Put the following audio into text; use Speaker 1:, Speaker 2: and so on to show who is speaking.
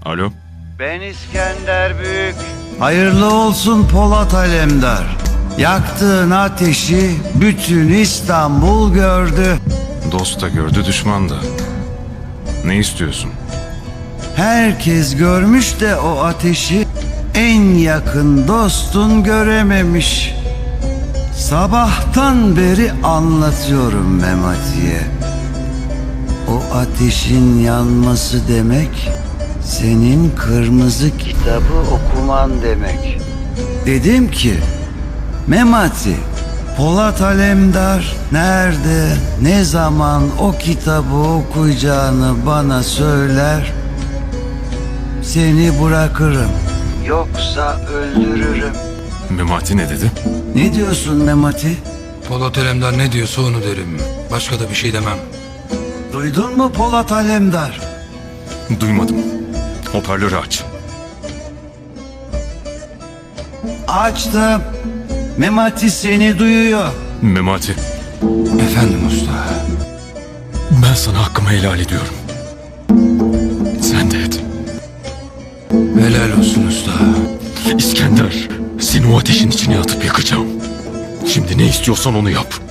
Speaker 1: Alo.
Speaker 2: Ben İskender Büyük. Hayırlı olsun Polat Alemdar. Yaktığın ateşi bütün İstanbul gördü.
Speaker 1: Dost da gördü, düşman da. Ne istiyorsun?
Speaker 2: Herkes görmüş de o ateşi en yakın dostun görememiş. Sabahtan beri anlatıyorum Memati'ye. O ateşin yanması demek senin kırmızı kitabı okuman demek. Dedim ki Memati, Polat Alemdar nerede, ne zaman o kitabı okuyacağını bana söyler, seni bırakırım. Yoksa öldürürüm.
Speaker 1: Memati ne dedi?
Speaker 2: Ne diyorsun Memati?
Speaker 3: Polat Alemdar ne diyorsa onu derim. Başka da bir şey demem.
Speaker 2: Duydun mu Polat Alemdar?
Speaker 1: Duymadım. Hoparlörü aç.
Speaker 2: Açtım. Memati seni duyuyor.
Speaker 1: Memati,
Speaker 3: Efendim usta.
Speaker 1: ben sana hakkımı helal ediyorum. Sen de et.
Speaker 3: Helal olsun usta.
Speaker 1: İskender, seni o ateşin içine atıp yakacağım. Şimdi ne istiyorsan onu yap.